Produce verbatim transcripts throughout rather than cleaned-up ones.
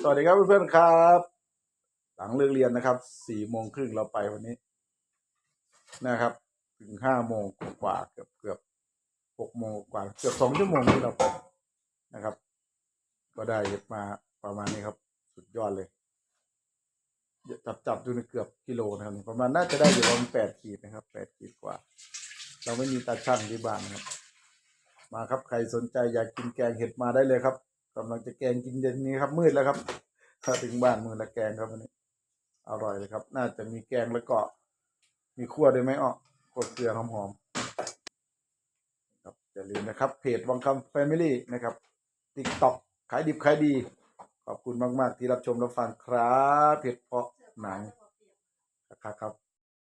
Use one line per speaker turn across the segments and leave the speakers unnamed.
วัสดีครับเพื่อนๆครับหลังเลิกเรียนนะครับสี่โมงครึ่งเราไปวันนี้นะครับถึงห้าโมงกว่าเกือบเกือบหกโมงกว่าเกือบสองชั่วโมงที่เราไปนะครับ ก็ได้เห็ดมาประมาณนี้ครับสุดยอดเลยจับจับดูในเกือบกิโลนะครับประมาณน่าจะได้อยู่ประมาณแปดขีดนะครับแปดขีดกว่า เราไม่มีตาช่างที่บ้านนะครับมาครับใครสนใจอยากกินแกงเห็ดมาได้เลยครับกำลังจะแกงกินเย็นนี้ครับมืดแล้วครับถ้าถึงบ้านมือละแกงครับวันนี้อร่อยเลยครับน่าจะมีแกงแล้วก็มีคั่วด้วยไหมอ้อคั่วเกลือหอมๆครับอย่าลืมนะครับเพจวังคำแฟมิลี่นะครับติ๊กต็อกขายดิบขายดีขอบคุณมากๆที่รับชมรับฟังครับเพจเพาะหนังครับครับ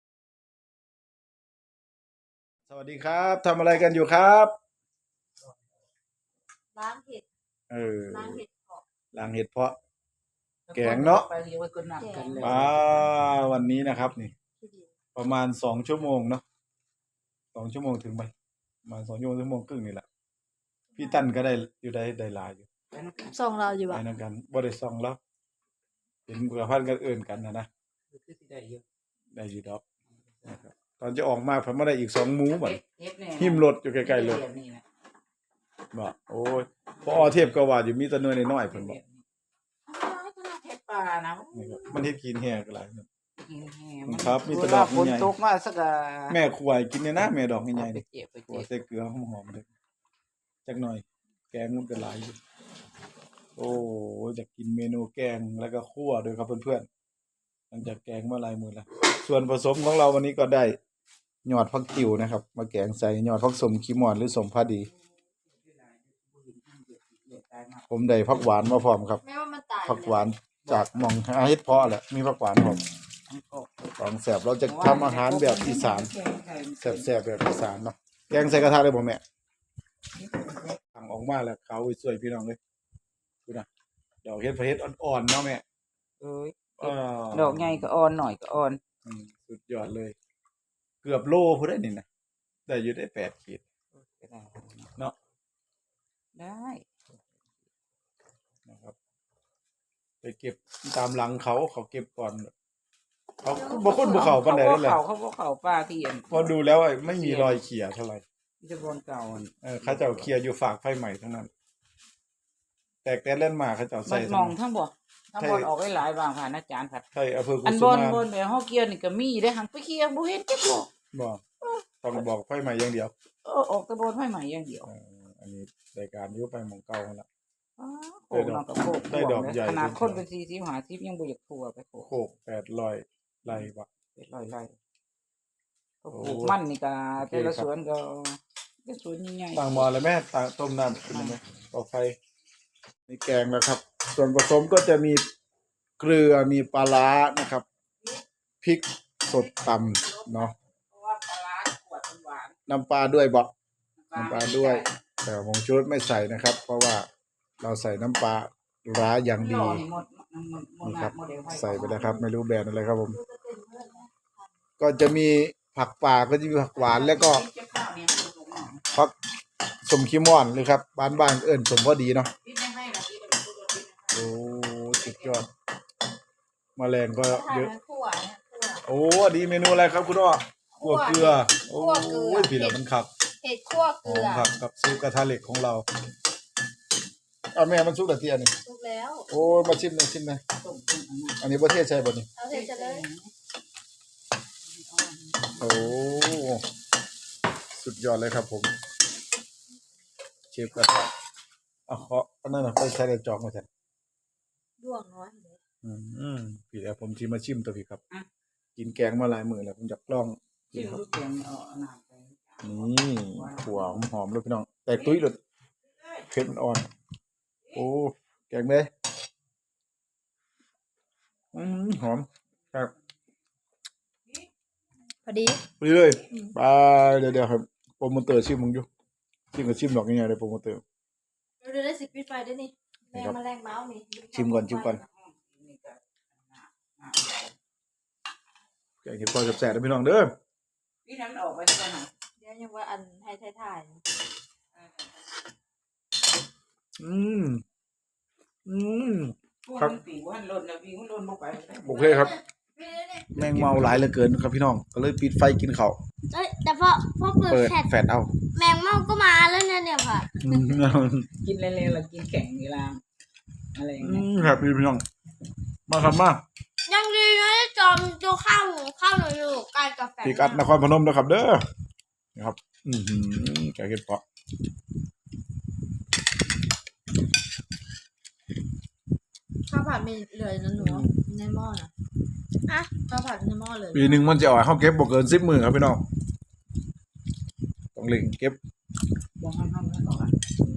สวัสดีครับทำอะไรกันอยู่ครับ
ล้างเห็ด
เออ
ล้างเห็ดเพาะ
ล้างเห็ดเพาะแกงเนาะว้าวันนี้นะครับนี่ประมาณสองชั่วโมงเนาะสองชั่วโมงถึงไหมประมาณสองชั่วโมงชั่วโมงครึ่งนี่แหละพี่ตั้นก็ได้อยู่ได้ได้หลายอยู่
ส่งเราอยู่
ไป
อ่ะ
นั่นกันบ่ได้ส่องแล้วเห็นเบื่อพันกันเอื่นกันนะนะได้อยู่ดอกนะครับตอนจะออกมาผมมาได้อีกสองหมูบัดหิมรถอยู่ใกล้ๆรถบอกโอ้ยพอเทพก็ว่าอยู่มีแตะน้อยน้อยๆเพิ่นบอกมันเฮ็ดกินแห้ก็หลายครับมีแตะดอกใหญ่
ตกมาสัก
แม่ขวายกินเนี่ยนะแม่ดอกใหญ่ๆนี่ขวใส่เกลือหอมๆเลยจักหน่อยแกงมันก็หลายอยู่โอ้จะกินเมนูแกงแล้วก็คั่วด้วยครับเพื่อนๆหลังจากแกงมาหลายมื้อแล้วส่วนผสมของเราวันนี้ก็ได้ยอดผักติ๋วนะครับมาแกงใส่ยอดผักสมขี้มอนหรือสมพาดีผมได้ผักหวานมาพร้อมครับผักหวานจากหม่องหาเฮ็ดเพาะแหละมีผักหวานพร้อมของแซ่บเราจะทำอาหารแบบอีสานแซ่บๆแบบอีสานเนาะแกงใส่กระทะเลยบ่แม่สั่งออกมาแล้วเขาสวยพี่น้องเลยดูนะดอกเฮ็ดเฮ็ดอ่อนๆเนาะแม่
เอ้ยดอกใหญ่ก็อ่อนหน่อยก็อ่อน
อืมสุดยอดเลยเกือบโลพุ่นได้นี่นะได้อยู่ได้แปดขีดเนาะ
ได้
นะครับไปเก็บตามหลังเขาเขาเก็บก่อนเขาบ่คนบ่เข้าปานใดนั่นแหละ
เขาเขาบ่เข้าป้าที่อัน
พอดูแล้วไม่มีรอยเขี่ยเท่าไหร่
ที่บนเก่าอัน
เออเขาเจ้าเขี่ยอยู่ฝากไฟใหม่เท่านั้นแตกแต่เล่นมาเขาเจ้าใส่
มองทั้งบ่ทั้งบนออกได้หลายบางผ่านอาจารย์ครับ
ใช่อำเภอกุ
สุมานอันบนบนแบบเฮาเกี่ยวนี่ก็มีได้หังไปเกี่ยวบ่เห็นจักบ่
บ่ต้องบอกไฟใหม่อย่างเดียว
เออออกแต่บนไฟใหม่อย่างเดียว
เอออันนี้รายการอยู่ไปหม่องเก่านั่นล่ะ
อ๋อโคกนอกกับโคกได้ดอกใหญ่ขนาดคนเป็นสี่สิบ ห้าสิบยังบ่อยากทั่วไปโคก
โคกแปดร้อยไร่บ่
แปดร้อยไร่ปลูกมันนี่ก็แต่ละสวนก็เป็นสวนใหญ่
ๆตั้งหม้อแล้วแม่ตั้งต้มน้ำขึ้นไหมต่อไฟมีแกงแล้วครับส่วนผสมก็จะมีเกลือมีปลาร้านะครับพริกสดตำเนาะน้ำปลาด้วยบ่น้ำปลาด้วยแต่ผงชูรสไม่ใส่นะครับเพราะว่าเราใส่น้ำปลาร้าอย่างดีนี่ครับใส่ไปแล้วครับไม่รู้แบรนด์อะไรครับผมก็จะมีผักป่าก็จะมีผักหวานแล้วก็ผักสมขี้ม่อนเลยครับบ้านบ้านเอิ้นสมพอดีเนาะโอ้สุดยอดแมลงก็เยอะโอ้อันนี้เมนูอะไรครับคุณอ้อคั่วเกลือโอ้ยพี่ละมันขับ
เห็ดคั่วเกลือ
ผักกับซุปกระทะเหล็กของเราเอาแม่มันซุปกระเทียมนี่
ซุปแล้ว
โอ้มาชิมหน่อยชิมหน่อยอันนี้ประเทศใช่บ่นี่
เอาเทศเลย
โอ้สุดยอดเลยครับผมเชฟกระทะอ่ะขออันนั้นน่ะไปใช้ในจอกมาแทน
ด้วงน้อยเลย
อืมพี่แล้วผมสิมาชิมตัวพี่ครับกินแกงมาหลายมื้อแล้วผมอยากลอง
กินครับแกงเอาน้ำไป
นี่ขั่วหอมๆเลยพี่น้องแตกตุ้ยเลยเผ็ดมันอ่อนโอ้แกงเลยอืมหอมครับ
พอดี
ไปเลยไปเดี๋ยวๆครับโปรโมเตอร์ชิมมึงอยู่ชิมกับชิมดอกง่ายๆเลยโปรโมเตอร์
เราได้สิปิดไฟได้นี่แรงมาแรงเมาส์นี่
ชิมก่อนชิมก่อนแกงเห็ดพอแซ่บๆนะพี่น้องเด้อ
พี่น้ำออกไปได้ไหม
เดี๋ยวยังว่าอันให้ถ่าย
อืมอืม
ครับปีกว่าหล่นแล้วปีกมันหล่นลงไป
โอเคครับ แมงเมาหลายเหลือเกินครับพี่น้องก็เลยปิดไฟกินข้าว
เอ้ยแต่พอพอเปิด
เปิด
แฟลช
แฟลชเอา
แมงเม่าก็มาแล้วเนี่ยเนี่ยค่ะ
อืม
กินเร็วๆแล้วกินแข็งเวลาอะไรอย่างเงี้ย
ครับพี่พี่น้องมาครับมา
ยังดีนะที่จอมตัวข้าวหมูข้าวหนูอยู่ใกล้กับแฟลช
พิกัดนครพนมนะครับ เด้อนะครับ อือหือแกงเห็ดเพาะ
ข้าวผัดมีเหลือนะหนูในหม้อนะอ่ะข้าวผัดในหม้อเลย
ปีหนึ่งมันจะออกให้เขาเก็บบ่เกินสิบหมื่นครับพี่น้องต้องเล่งเก็บ
บอกให้ห้องนั้นก่อน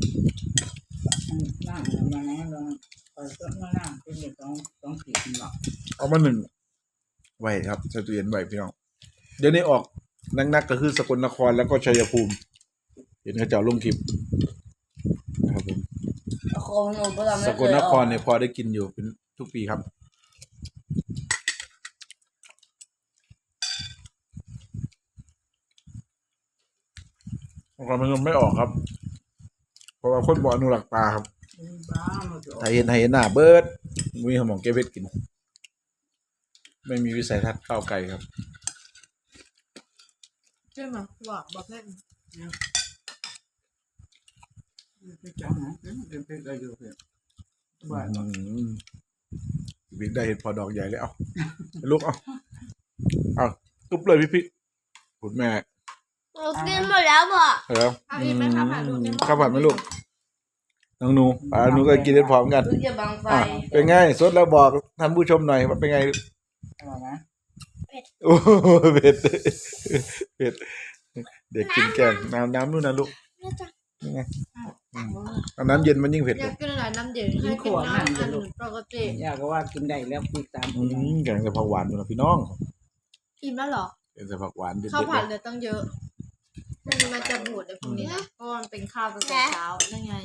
ล่างมาแล้วเราไปก็มาล่างเป็นเด็กสองสองสี่หรอก
เอามาหนึ่งไว้ครับใส่ตู้เย็นไว้พี่น้องเดี๋ยวนี้ออกนักๆก็คือสกลนครแล้วก็ชัยภูมิ เห็นเขาเจ้าลงคลิปนะครับผม
โคหนูเบื่อไม่
ส
เค
กล
ย
น
อ
ค
อ
ร
ก
เนี่ยพอได้กินอยู่เป็นทุกปีครับนครพนมไม่ออกครับ เพราะว่าคนบ่อนุรักษ์ปลาครับ
บ้ามันจะ
ไทยเห็นไทยเห็นหน้าเบิร์ดมีสมองเก็บเพชรกิน ไม่มีวิสัยทัศน์ก้าวไกลครับ
ใช่ไหมบอกบอกเล่น
เป็นจังนะเป็นเพชรได้อยู่เพื่อนบ้าน
อืมบิ๊กได้เห็นพอดอกใหญ่เลยเอาลูกเอาเอาตุบเลยพี่พี่คุณแม่
หนูกินหมดแล้วบ่
เออ
เอาอีกไหมข้าวผัดลูกในหม้อ
ข้าวผัดไหมลูกน้องหนูอ่าหนูก็กินได้พร้อมกัน
ดูจะบังไฟ
อ่ะเป็นไงสดแล้วบอกท่านผู้ชมหน่อยว่าเป็นไง
อะไรนะ
โอ้โหเผ็ดเผ็ดเด็กกินแกงน้ำน้ำนู่นนะลูกนี่ไงอืมเอาน้ำเย็นมันยิ่งเผ็ด
อ
เลย
าย กกินอะไรน้ำเดือดให้กินน้ำอันปกติ
อยากก็ว่ากินได้แล้วปีกตาม
อืมแกงใส่ผักหวานอยู่นะพี่น้อง
อิ่มแล้วเหรอ
แกงใส่ผักหวานเด็ด
ข้าว
ๆ
ผัด
เลย
เหลือตั้งเยอะมันมันจะบูดในพวกนี้เพราะมันเป็นข้าวตั้งแต่เช้านั่นไง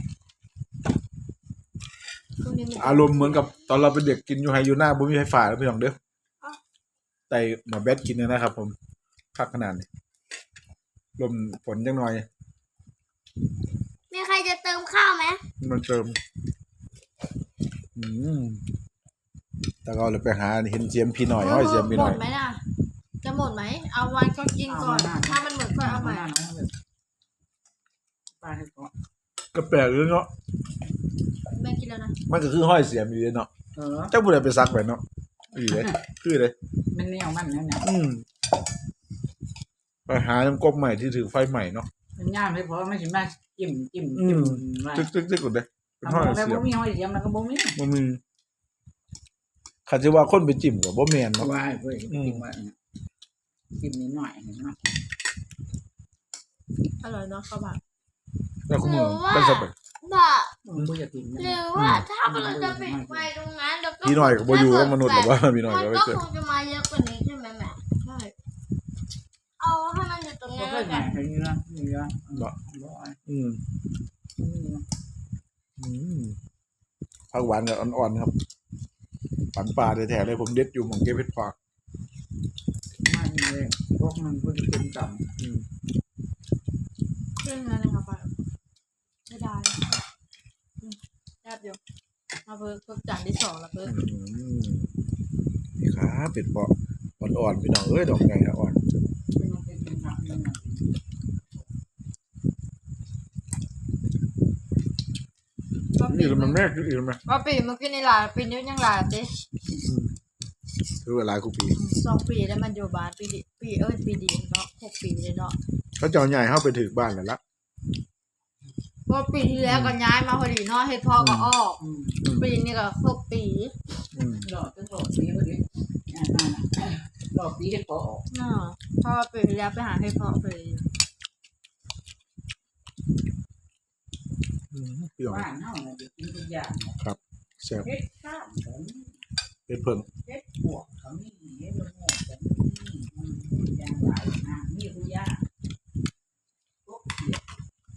พวกนี้มัน
อารมณ์เหมือนกับตอนเราเป็นเด็กกินอยู่ไฮยูน่าบุ้มีไฟฟ้าแล้วพี่น้องเด้อแต่หมาแบดกินเนยนะครับ ผมคักขนาดนี้ลมฝนจังหน่อย
มีใครจะเติมข้าวไหม
มันเติม อืมแต่ก็เลยไปหาเห็นเสียมพี่หน่อยห้อยเสียมพี่หน่อย
หมดไหมน่ะจะหมดไหมเอาวันก็กินก่อนถ้ามันหมดค่อยเอาใหม่
ป้าให้ก่อน
ก็แปลกเลยเนาะ
แม่กินแล้วนะ
มันก็คือห้อยเสียมอยู่เลยเนาะ
เออ
เจ้าบุญไปซักไปเนาะอีเลยคือเลย
มันแนวมันนั่นน่ะ
อืมไปหาน้ำกบใหม่ที่ถือไฟใหม่เนาะ
มันย่ามไม่พอไม่ใช่มาจิ้มจิ้ม
อื
จิ้ม
ม
ว่า
จึ๊กจึ๊กจึ๊กกดเลยเป็น
ทำ
ห้อย
แล้ว
เสีย
บ่
ม
มีห้อยเสียมแล้วก็บ่มี
มันมีขัดจะว่าคนไปจิ้มกับบ่แมน
เพราะ
เนาะ
ว่าเว้ยจิ้มว่าจิ้มนิดหน่อยเห็นไหม
อร่อยเนาะข้าวผัด
แล้วคุณมือเป็นสเปก
บ่
มันบ่จะกิน
หรือว่าถ้าเราจะปิดไฟตรงนั้นแล้วก็
พี่หน่อยกับบ่อยู่กับมนุษย์หรือว่าพี่หน่อย
มัน
ก็ไป
ก็
เจอ
คงจะมาเยอะกว่านี้ใช่ไหมแม่
ใช่
เอาให้มันอยู่ตรง
ก็
นี้
ค่อ
แล้
ยว ใหญ่
กัน
เห็นนะนี่ละบ่บ่
อืมอืมผักหวานกับอ่อนๆครับฝันปลาแท้ๆเลยผมเด็ดอยู่หมองเก็บเพชรปลา
มันเลยพวกมันก็จะเป็นต่ำ
อืม
เรื่องนั้นนะคะป้าไม่ได้อืมแซ่บอยู่มาเพิ่มเพิ่มจานที่สองแล้วเพิ่ม
อืมนี่ครับเป็ดเปาะอ่อนๆพี่น้องเอ้ยดอกใหญ่อ่อน
มันเป็นต่ำนั่นน่ะ
นี่มันแม่คืออื่นไหม
ว่าปีเมื่อกี้ในหลายปีนี้ยังหลายเจ๊
คือเวลากูปี
สองปีแล้วมันอยู่บ้านปีดีปีเอ้ยปีดีเนาะหกปีเลยเนาะ
เขาจะเอาใหญ่เข้าไปถึงบ้านแล้วละ
เพราะปีที่แล้วก็ย้ายมาพอดีเนาะเฮ็ดพ่อก็ออก
อืม
อืม
ปีนี้ก็ครบปี
อืม
หลอดเป็นหลอดนี้พอดีอ่าอ่าหลอดนี้เห็นพอออก
เนาะเพราะว่าปีที่แล้วไปหาเฮ็ดพ่อไป
อืมพี่น้อง
บ้านเฮาน่ะจะกินทุกอย่าง
แซ่บ
เฮ็ดข้าวก็มี
เฮ็ดเพิ่ง
เฮ็ดพวกก็มีเฮ็ดละโงกก็มีอืมอย่างหลายอ่ะมีทุกอย่างพวกเขียด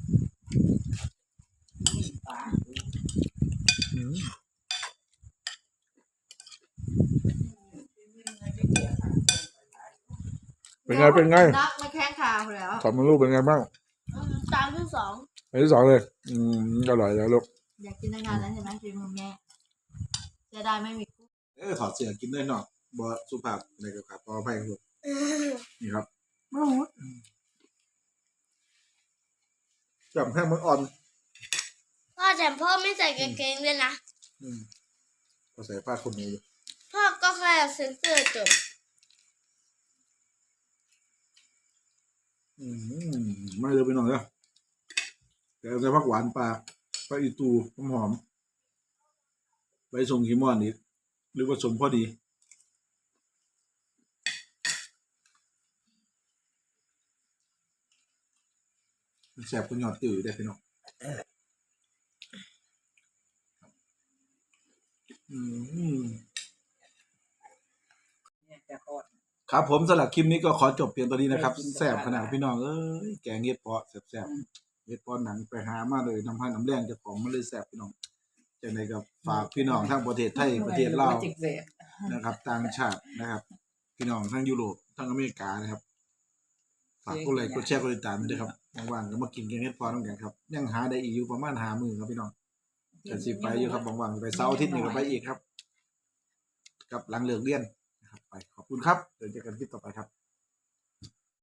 มีปลา
อืมเป็นไงเป็นไง
นักมาแข้งขาแล้ว
สองมันลูกเป็นไงบ้าง
อืมจานที่สอง
อันที่สองเลย อืมอร่อยแล้วลูก
อยากกินนานๆแล้วใช่ไหมปีมือแม่จะได้ไม่มีกุ้ง
เออถอดเสื้อกินด้วยเนาะบ่สุภาพในกับครับขออภัยครับนี่ครับมาหมดจับแค่มันอ่อน
พ่อแต่พ่อไม่ใส่กางเกงเลยนะ
อืมก็ใส่ผ้าคลุมมืออยู่
พ่อก็แค่เซ็นเซอร์จบ
อืมไม่เลยไปหน่อยแล้วแต่เอาใส่ผักหวานปลาปลาอีตูหอมๆใบสมขีมอนอีกหรือว่าสมพอดีมันแสบคุณยอดตื่นได้พี่น้องอืม
เนี่ยจะทอด
ครับผมสำหรับคลิปนี้ก็ขอจบเพียงตัวนี้นะครับแซ่บขนาดพี่น้องเอ้ยแกงเห็ดเพาะแซ่บๆเห็ดเพาะหนังไปหามาเลยน้ำพันน้ำแรงเจ้าของมันเลยแซ่บพี่น้องจากในกับฝากพี่น้องทั้งประเทศไทยประเทศลาวนะครับต่างชาตินะครับ พี่น้องทั้งยุโรปทั้งอเมริกานะครับฝากกดไลค์กดแชร์กดติดตามด้วยครับว่างๆก็มากินแกงเห็ดเพาะน้ำแกงครับยังหาได้อีกอยู่ประมาณหามื้อครับพี่น้องจะสิไปอยู่ครับว่างๆไปเสาร์อาทิตย์นี้ก็ไปอีกครับ กับหลังเลิกเรียนนะครับไปขอบคุณครับเดี๋ยวเจอกันคลิปต่อไปครับ